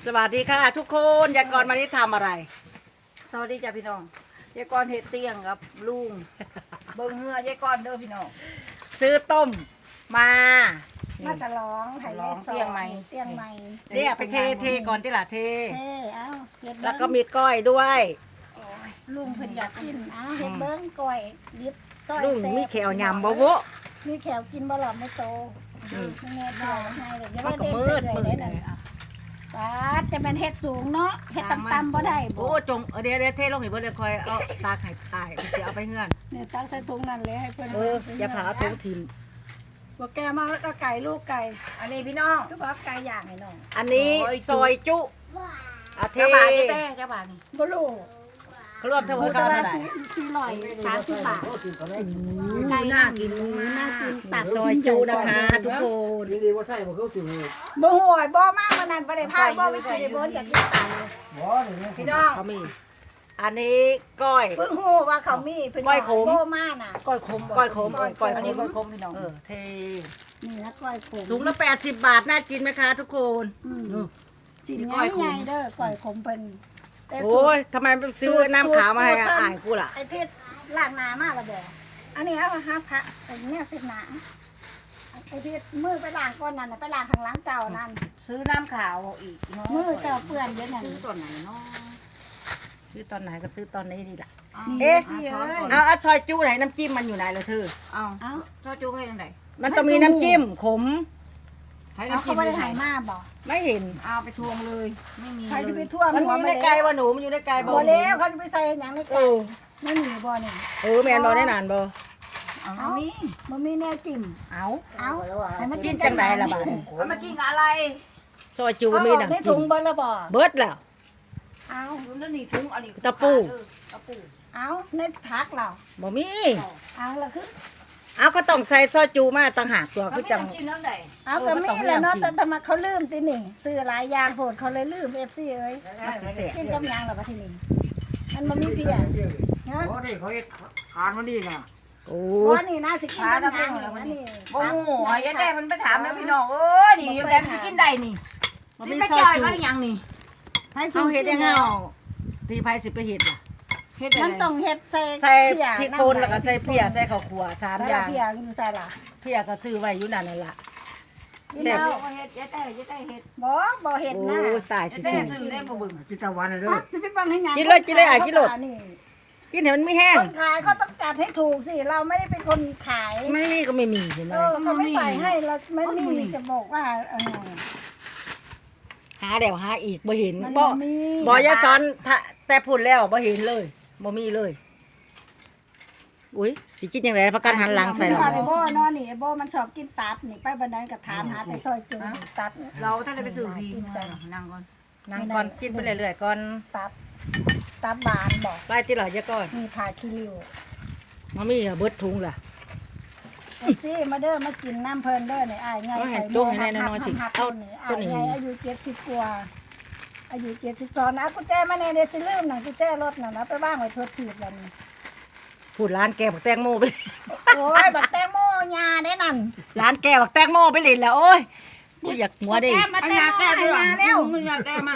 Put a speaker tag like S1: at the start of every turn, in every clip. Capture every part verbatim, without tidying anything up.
S1: สวัสดีค่ะทุกคนยายกรวันนี้ทำอะไร
S2: สวัสดีจ้ะพี่น้องยายกรเฮ็ดเตียงครับลุงเบิ่งเหือยายกรเด้อพี่น้อง
S1: ซื้อต้มมา
S3: มาฉลองให้ยายสอนเตียงใหม่เตียงใหม่
S1: เนี่ยไปเทเทก่อนที่ละเท
S3: เท่เอ้าเฮ็ด
S1: แล้ว
S3: เบิ้ง
S1: ก็มีก้อยด้วย
S3: ลุงเพิ่นอยากกินเอ้าเฮ็ดเบิ้งก้อยดิบซอย
S1: ลุง
S3: แซ่บ
S1: มีแขวยำบ่โวะ
S3: มีแขวกินบ่หล่อไม่โต
S1: อืม
S3: แม่บ่ให้เลยอย่า
S1: มัน
S3: ว่า
S1: ก็
S3: เด่น
S1: มื
S3: เสี
S1: ด
S3: ยเล
S1: มื
S3: ย
S1: ด
S3: ได้นั่นปาดจะเป็นเฮ็ดสูงเนาะเฮ็ดต่ำๆบ่ได้
S1: โอ้
S3: บ่
S1: จงเดี๋ยวเดี๋ยวเทลงนี่เบ่เดี๋ยวคอยเอาตาไข่ตายเดี๋ยวเอาไปเงื่อน
S3: เนี่ยตั้งใส่ถุงนั่นเลยให้เพิ่น
S1: เอออย่าผ่าเอาถุงทิม
S3: บ่แกมาแล้วก็ไก่ลูกไก่
S2: อันนี้พี่น้อง
S3: ก็บอกไก่ย่างให้น้อง
S1: อันนี้ซอยจุอาเท
S2: เจ้าบ่าวเจ้าเจ้าบ่าวนี่
S3: บ่รู้
S1: เขารวมทั้งหม
S3: มู
S1: ด
S3: ต
S1: เท่า
S3: ลา
S1: ไหร่
S3: สี่ร้อยสามสิบบาท
S2: ไก่น่ากิน
S3: น่ากินตัด
S1: ซอยจุนะคะทุกคน
S4: ดีดีว่าใช่บ่เขาสิบ่
S3: บ่ห่วยบ่มากมันนั่นบ่ได้พายบ่ไปกินได้บ่อยากกินตัง
S4: บ่นี่
S2: พี่น้อง
S1: เขามีอันนี้ก้อย
S3: เพิ่งฮู้ว่าเขามีเพิ่น
S1: ก้อยขม
S3: บ่มาน่ะ
S2: ก้อยขม
S1: ก้อยขมก้อย
S2: อัน
S1: ข
S2: นี้
S1: ม
S2: ก้อยขมพี่น้อง
S1: เออเท
S3: นี่นะก้อยขม
S1: ถุงละแปดสิบบาทน่ากินไหมคะทุกคน
S3: อืม
S1: อืม
S3: สิน
S1: ก้อยขม
S3: ใหญ่ๆเด้อก้อยขมเพิ่นแต่สู
S1: โอ้
S3: ต
S1: ย
S3: ร
S1: ทำไมซื้อน้ำขาวมาให้อ่านกูล่ะ
S3: ไอ้เพชรล้างหน้ามาแล้วบ่อันนี้เอาหาพระไอ้เนี่ยเสร็จหน้าไอ้เพชรมือไปล้างก่อนนั่นน่ะไปล้างข้างหลังเจ้านั่น
S2: ซื้อน้ำขาวอีกเนาะ
S3: มือเจ้าเปื้อนเยอะนั่น
S2: ซื้อตัวไหนเนาะ
S1: ซื้อตอนไหนก็ซื้อตอนนี้ดีล่ะ
S3: เอ๊ะสิเอ้ย
S1: เอาเอาซอยจูไหนน้ำจิ้มมันอยู่ไหนเลยเธอ
S2: เอา
S3: เอ้า
S2: เจ้าจูให้ยังไง
S1: มันต้องมีน้ำจิ้มขม
S2: ให้
S3: เอา
S2: น้ำ
S3: เขา
S2: จิ้ม
S3: บ่ได้
S2: ให้
S3: ให้มาบ่
S1: ไม่เห็น
S2: เอาไปทวงเลยไม่มี
S3: ใคร
S2: เล
S3: จะไป
S2: ย
S3: ท่วม
S1: มันอ
S3: หัว
S1: ยู่
S3: มา
S1: ใน
S3: แล้ว
S1: ไก่วะหนูมันอยู่ในไก่บ่
S3: บ่แล้วเขาจะไปใส่หยังใน
S1: เอ
S3: ไก่
S1: อ
S3: ไม่มีบ่นี่
S1: เออแมนบอได้นานบ่
S2: เอาเอานี่
S3: บ่มีแนวจิ้ม
S1: เอา
S3: เอาให้มัน
S1: กิ
S3: กิ
S1: น
S3: น
S1: จังไดล่ะบาด
S2: เอามากินกับอะไร
S1: ซอยจู
S3: เอา
S1: มี
S3: ออกใน
S1: น้ำ
S3: ถุ
S1: จิ้
S3: ง
S1: ม
S3: เบิ่แล้วบ่
S1: เบิดแล้ว
S3: เอา
S2: ถุงนั่นนี่ถุงอันนี้
S1: ตะปู
S2: ตะปู
S3: เอาในผักเรา
S1: บ่มี
S3: เอาละคือ
S1: เอาก็ต้องใส่ซอยจูมาต่างหากตัว
S2: เขา
S1: คือ
S2: ไม่
S1: จัง
S2: น้ำจิ้มน้ำไหน
S3: เอาก็มีแหละเนาะแต่ทำไมเขาลืมตินี่ซื้อหลายอย่างโพดเขาเลยลืม เอฟ ซี เอ้ย
S1: มันสิแสบ
S3: กินกับหยังล่ะบัดทีนี้มันบ่มีเพียเนาะ
S4: โอ้นี่เขาเฮ็ดคานมานี่น่ะ
S1: โอ้
S3: บ่นี่นะสิกินกับหยังล่ะบัดนี้
S2: โอ้โหยายแต่มันไปถามแล้วพี่น้องเอ้ยนี่ยายแต่มันกินได้นี่
S1: มัน
S2: สิ
S1: มี
S2: ไป
S1: ซอ
S2: จ่อย
S1: ย
S2: ก็
S1: จู
S2: ยังนี่
S3: ให้
S1: เฮาเฮ็ดยังไงเอาที่ไผสิไปเฮ็ดล่ะ
S2: เฮ็ด
S3: มันต้องเฮ็ดใส่
S1: ใส่
S3: เพีย
S1: พริกป่นแล้วก็ใส่เพียใส่ข้าวคั่วสาม
S3: แล้ว
S1: อย่าง
S3: เพียอยู่ใส่ล่ะ
S1: เพียก็ซื้อไว้อยู่นั่นนั่นล่ะ
S3: กิน
S1: แซ่บ
S3: เอา
S2: เฮ็ดยายแต่ยายแต่เฮ็ด
S3: บ่บ่เฮ็ด
S1: โอ้
S3: นะ
S1: ตาย
S2: ยาย
S1: สิ
S2: แต่
S1: สิ
S2: ซื้อได้บ่เบิ่ง
S4: กินตะวันน่ะเด้อ
S3: อ่ะสิไปบังให้หยัง
S1: กินเลยกินเลยอ่ะกินเลย
S3: นี่
S1: กินให้มันไม่แห้ง
S3: คนขายเขาต้องจัดให้ถูกสิเราไม่ได้เป็นคนขาย
S1: ไม่มีก็ไม่มีเห็นไหม
S3: เออเขาไม่ใส่ให้เราไม่มีจะบอกว่าเออ
S1: หาเดี๋ยวหาอีกบ่เห็น
S3: มัน
S1: บ่
S3: บ่มี
S1: บ่ยายซ้อนถ้าแต่พูดแล้วบ่เห็นเลยบ่มีเลยอุ้ยสิกินยังไงประกันหันหลังใส่
S3: ใส่
S1: หรอ
S3: ไอ้โบ้เนอนนี่ไอ้โบ้มันชอบกินตับนี่ไปบันไดก็ถามหาแต่ซอยจุ่มตับ
S2: เราถ้าได้ไปซื้อพี่นั่งก่อน
S1: นั่งก่อนกินไปเรื่อยๆก่อน
S3: ตับตับบานบอก
S1: ไปที่หล่อยะก่อน
S3: มีผ่าคิริว
S1: มามีอะเบิดถุงล่ะ
S3: เอ็ซี่มาเด้อมากินน้ำเพลินเด้อในอ้ายไง
S1: เอาให้
S3: ไข่
S1: ลู
S3: โม่
S1: กให้
S3: หัก
S1: น้อยๆสิ
S3: หัก
S1: เอา
S3: ต้นนี่
S1: ต้
S3: อ้าน ย
S1: นี้
S3: ไงอายุเจ็ดสิบกว่าอายุเจ็ดสิบสองนะกุญแจมาในเดซิลืมหนังกุญแจรถน่ะนะไปว่างไว้ทดถีบแล้วนี่
S1: พูดร้านแกบักแตงโมไป
S3: โอ้ยบักแตงโมยาได้นั่น
S1: ร้านแกบักแตงโมไปเล่นแล้วโอ้ยกูอยากหัวดิ
S3: แก้มาแตงโมให้ยาเร็ว
S2: มึงอยากแก้มา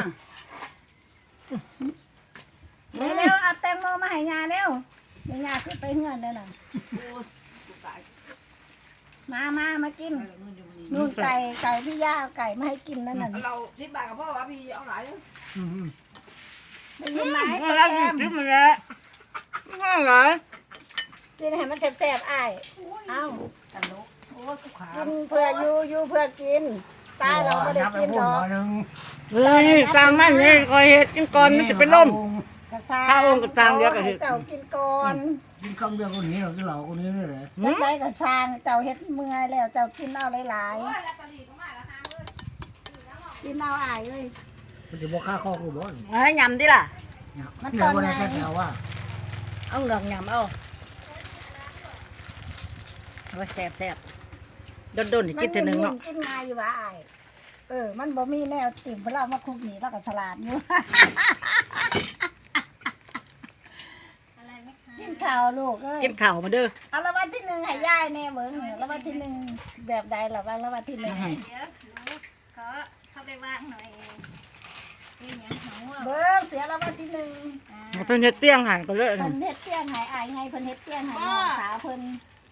S3: เร็วเอาแตงโมมาให้ยาเร็วเดี๋ยวยาขึ้นไปเฮือนเด้อน่ะมามามากินนู่นไก่ไก่พี่ย่าเอาไก่มาให้กินนั่นน่ะ
S2: เราสิบบาทกับพ่อว่าพี่เอาหลายเลย
S4: อืม
S3: ได้ยินไหม
S1: แล้ว
S3: แก้ม
S1: กินมันแล้วง่ายเหรอ
S3: กินให้มันแซ่บๆอ้ายเอ้า
S2: ตลกโอ้ยกูขา
S3: กินเพื่ออยู่อยู่เพื่อกินตายเราไม่ได้กินหรอก
S4: นึง
S1: เฮ้ยสร้างมันนี่คอยเฮ็ดกินก่อนมันจะเป็นลม
S3: กระซาง
S1: ข้าวองค์กระซางเดียวกับเห็ด
S3: เจ้ากินก่อน
S4: กินคำเดียวคนนี้เรากินเหล่าคนนี้นี่แหละ
S3: จักไรกระซางเจ้าเฮ็ดเมื่อยแล้วเจ้ากินเอาหลายๆกินเอาอ้ายเลย
S4: มันจะบ่ค่าข้อกูบ่
S1: เอาให้ยำดิล่ะ
S3: มันต
S4: เดี๋
S3: อย น
S4: ววัน
S3: ไหน
S4: นี้แค่ว่า
S1: เอาเหงือกยำเอาเอาแซ่บแซ่บๆโดนๆนี่กินเถอะหนึ่งเนาะ
S3: กินง่ายอยู่ว่าอ้ายเออมันบ่มีแนวติ่มเพราะเรามาคุกหนีแล้วก็สลัดอยู่ กินข้าวลูกเอ้ย
S1: กินข้าวมาเด้อ
S3: เอาละวันที่หนึ่งให้ย่ายแน่เบิ้งละวันที่หนึ่งแบบใดล่ะบ้างละวันที่หนึ่ง
S1: ให้
S5: เดี๋ยวหนูขอเข้าไปวางหน่อย
S3: เสียแล้ววันที่หนึ่ง
S1: เพิ่นเฮ็ดเตียงให้ก็เลย
S3: เพิ่นเฮ็ดเตี้ยงให้อายให้เพิ่นเฮ็ดเตี้ยงให้น้องสาวเพิ่น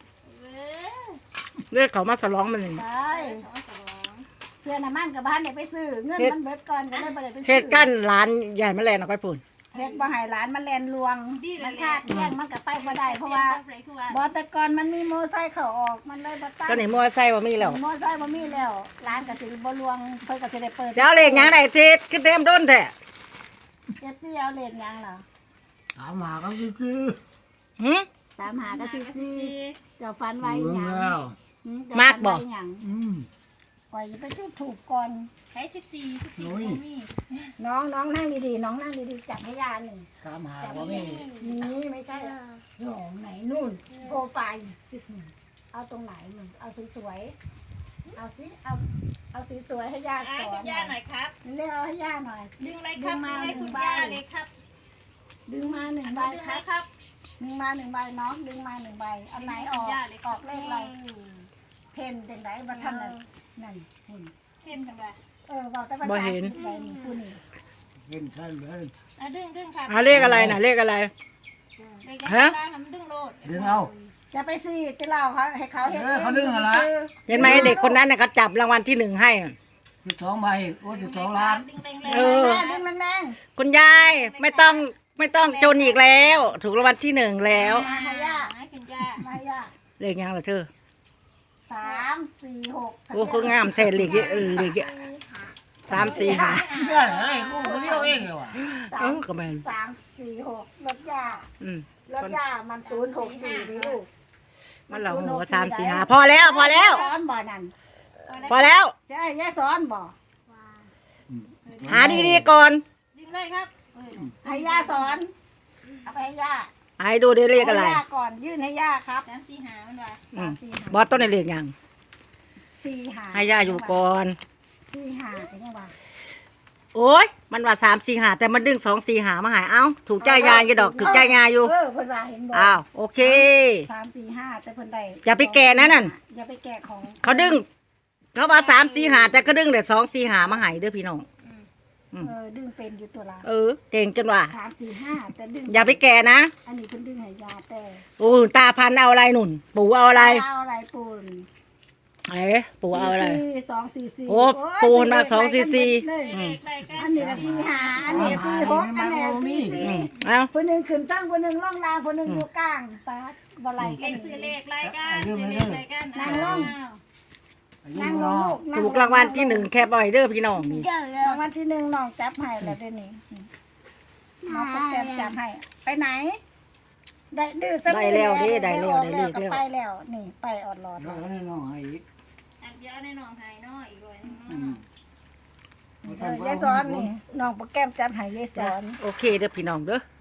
S1: เรียกเขามาฉลองมันนี่
S3: ใช่เสื้อน้ำมันกับบ้านเนี่ยไปซื้อเงินมันเบิดก่อนก็เลยบ่ได้ไปซื้อ
S1: เฮ็ดกั้นร้านใหญ่แม่แลนเอาไปพุ่น
S3: เฮ็ดบ่ให้หลานมันแลนลวงมันคาดเที่ยงมันก็ไปบ่ได้เพราะว่าบ่แต่ก่อนมันมีมอไซค์เข้าออกมันเลยบ่ตั้ง
S1: ก็นี่มอไซค์บ่มีแล้ว
S3: มอไซค์บ่มีแล้วร้านก็สิบ่ลวงเพิ่นก็สิได้เปิด
S1: สิเอาเลขหยังได้ทิศคือเต็มโดนแท้
S3: เจ็ดสิเอาเลขหยังล่ะ
S4: ถามหาก็คือ
S1: หึ
S3: สามหาก็สิบสี่เจ้าฟันไว้
S4: เบิ่ง
S3: หยัง
S4: แล้ว
S3: หืเจ้
S1: มากบ่
S3: ฟันไว้หยัง
S4: อืม
S3: ปล่อยไปจุดถูกก่อน
S2: ใช้สิบสี่สิบสี่
S4: โอ้ย
S2: มี
S3: น้องน้องนั่งดีๆน้องนั่งดีๆจับให้ยาหนึ่ง
S4: ถามหาบ่มี
S3: นี่ไม่ใช่หลงไหนนู่นโปรไฟล์สิเอาตรงไหนมึงเอาสวยๆเอาสิเอาเอาสวยๆให้ย่า
S2: อ่า
S3: สอ
S2: คุ
S3: น
S2: ณย่าหน่อยครับ
S3: เรียกเอาให้ย่าหน่อย
S2: ดึงเลยครับดึงเลยคุณย่าเลยครับ
S3: ดึงมาหนึ่ง
S2: อัน
S3: ใบ
S2: นี้ดึง
S3: ค
S2: เล
S3: รับ
S2: ยครับ
S3: ดึงมาหนึ่งใบน้องดึงมาหนึ่งใบอันไหนออกออกเลขอะไรเพนจังไดบัทันนั่นนั่นหุ่น
S2: เห็นกันไป
S3: เออบอกแต่ภาษาอังกฤษเลยนี่คุณนี่
S4: เห็นท่านเลย
S2: อ่ะดึงดึงครับ
S1: เอาเลขอะไรน่ะเลขอะไร
S2: เลขยัง
S1: ฮะ
S2: ไงมันดึงโลด
S4: ดึงเอา
S3: จะไปซีจะเล่าเขาให้เขาเห็น
S4: เออเขาดึงอะไร
S1: เห็นไหมเด็กคนนั้นน่ะเขาจับรางวัลที่หนึ่งให้
S4: สิบสองใบโอ้สิบสองล้าน
S2: ดึงแรง
S1: เออ
S3: ดึงแรง
S1: คุณยายไม่ต้องไม่ต้องจนอีกแล้ว ถูกรางวัลที่หนึ่งแล้ว
S3: มาให้ย่า
S2: ให้คุณย่า
S3: มาให้ย่า
S1: เลขหยังล่ะเธอ
S3: สามสี่หก
S1: โอ้คืองามแท้เลขเยอะเออเลขเยอะสามสี่ห้า
S4: เรื่องอะไรกูคนเดียวเองเหรอวะ
S3: สา
S1: เอ
S3: ม
S1: อก็แม่น
S3: สามสี่หกรถย่า
S1: อืม
S3: รถย่ามันศูนย์หกสี่ดิลูก
S1: มันเหล่าหัวสามสี่ห้าพอแล้วพอแล้ว
S3: สอนบ่อนั่น
S1: พอแล้ว
S3: ใช่ย่าสอนบ่
S1: หาดีๆก่อน
S2: ดึงเลยครับ
S3: ให้ย่าสอนเอาไปให้ย่า
S1: ให้ดูได้เลขอะไร
S3: ให้ย่าก่อนยื่นให้ย่าครับ
S2: สามสี่หามันว่า
S1: อื
S3: สาม มสี่
S1: บอสต้นในเลขหยัง
S3: สี่หา
S1: ให้ย่าอยู่ก่อน
S3: สี่หาเป็นยังไง
S1: โอ้ยมันว่าสามสี่หาแต่มันดึงสองสี่หามาหายเอ้าถูกใจยายอยู่ดอกถูกใจยายอยู่
S3: เออเพิ่นว่าเห็นบ่
S1: อ้าวโอเค
S3: สามสี่ห้าแต่เพิ่นได้
S1: อย่าไปแก่นะนั่น
S3: อย่าไปแก่ของ
S1: เขาดึง เขาว่าสามสี่หาแต่ก็ดึงแต่สองสี่หามาใหายเด้อพี่น้อง
S3: เออดึงเป็นอยู่ตัวละ
S1: เออ เก่งจนว่า
S3: สามสี่ห้าแต่ดึง
S1: อย่าไปแก่นะ
S3: อันนี้เพิ่นดึงให้ยาแต่
S1: โอ้ตาพันเอาอะไรหนุนปู่เอาอะไร
S3: เอาอะไรปูน
S1: เอ๋ปู่เอาอะไร
S3: สี่สองสี่สี่
S1: โอ้ปูนมาสองสี่สี่
S3: เลย
S1: อืม
S2: เลขกัน
S3: อันนี้ก็สี่ห้าอันนี้ก็สี่หกอันนี้ก็สี่สี่
S1: อืมเอ้า
S3: คนหนึ่งขึ้นตั้งคนหนึ่งล่องลางคนหนึ่งอยู่กลางปาดบ่ไหล
S2: เล
S3: กัน
S2: ขซื้อเลขรายการซื้อเลขรายการ
S3: นั่งลง
S4: อายุ
S3: นั่งล
S4: น้อง
S3: งลูก
S1: ถูกรางวัลที่หนึ่งแคบอยเด้อพี่น้องนี่
S3: รางวัลที่หนึ่งน้องจับให้แล้วเดี๋ยวนี้น้องก็แกมจับให้ไปไหน ได้ดื้อสัก
S1: ได้แล้วเด้ได้แล้วได้เลข
S3: ก็
S1: แล้ว
S3: ไปแล้วนี่ไปออดหลอด
S4: แล้วก็ให้น้องให้อีก
S2: อันเดียวในหนองไฮเนาะอีกร้อยหนึง
S4: อื
S2: เนาะ
S4: ม
S3: เออยายสอนนี่น้องโปรแกรมจับให้ยายสอน
S1: โอเคเด้อพี่น้องเด้อ